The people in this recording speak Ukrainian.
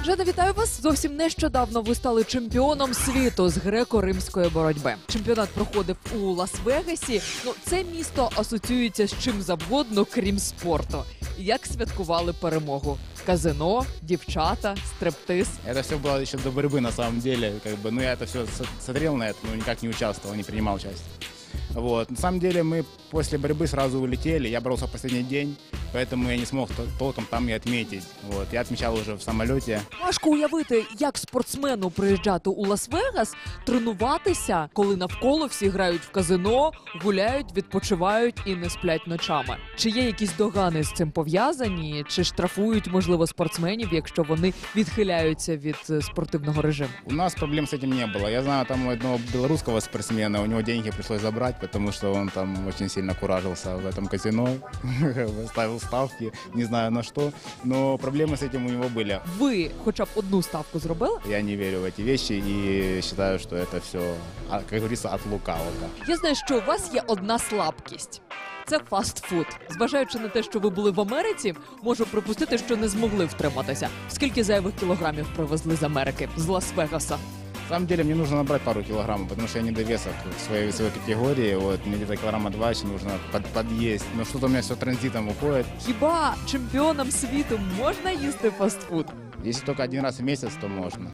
Жена, вітаю вас! Зовсім нещодавно ви стали чемпіоном світу з греко-римської боротьби. Чемпіонат проходив у Лас-Вегасі. Це місто асоціюється з чим завгодно, крім спорту. Як святкували перемогу? Казино, девчата, стриптиз. Это все было еще до борьбы на самом деле. Я это все смотрел на это, но никак не участвовал, не принимал участие. Вот. На самом деле мы после борьбы сразу улетели. Я боролся в последний день, поэтому я не смог толком там и отметить. Вот. Я отмечал уже в самолете. Важко уявити, як спортсмену приїжджати у Лас-Вегас, тренуватися, коли навколо всі грають в казино, гуляють, відпочивають і не сплять ночами. Чи є якісь догани з цим пов'язані? Чи штрафують, можливо, спортсменів, якщо вони відхиляються від спортивного режиму? У нас проблем с этим не было. Я знаю там одного белорусского спортсмена, у него деньги пришлось забрать, потому что он там очень сильно куражился в этом казино, ставил ставки, не знаю на что, но проблемы с этим у него были. Ви хоча б одну ставку зробили? Я не верю в эти вещи и считаю, что это все, как говорится, от лукавого. Я знаю, що у вас є одна слабкість. Це фастфуд. Зважаючи на те, що ви були в Америці, можу припустити, що не змогли втриматися. Скільки зайвих кілограмів привезли з Америки, з Лас-Вегаса? На самом деле мне нужно набрать пару килограммов, потому что я недовесок в своей весовой категории. Вот, мне где-то килограмма 2 еще нужно подъесть. Но что-то у меня все транзитом уходит. Хіба чемпіонам світу можна їсти фастфуд? Если только один раз в месяц, то можно.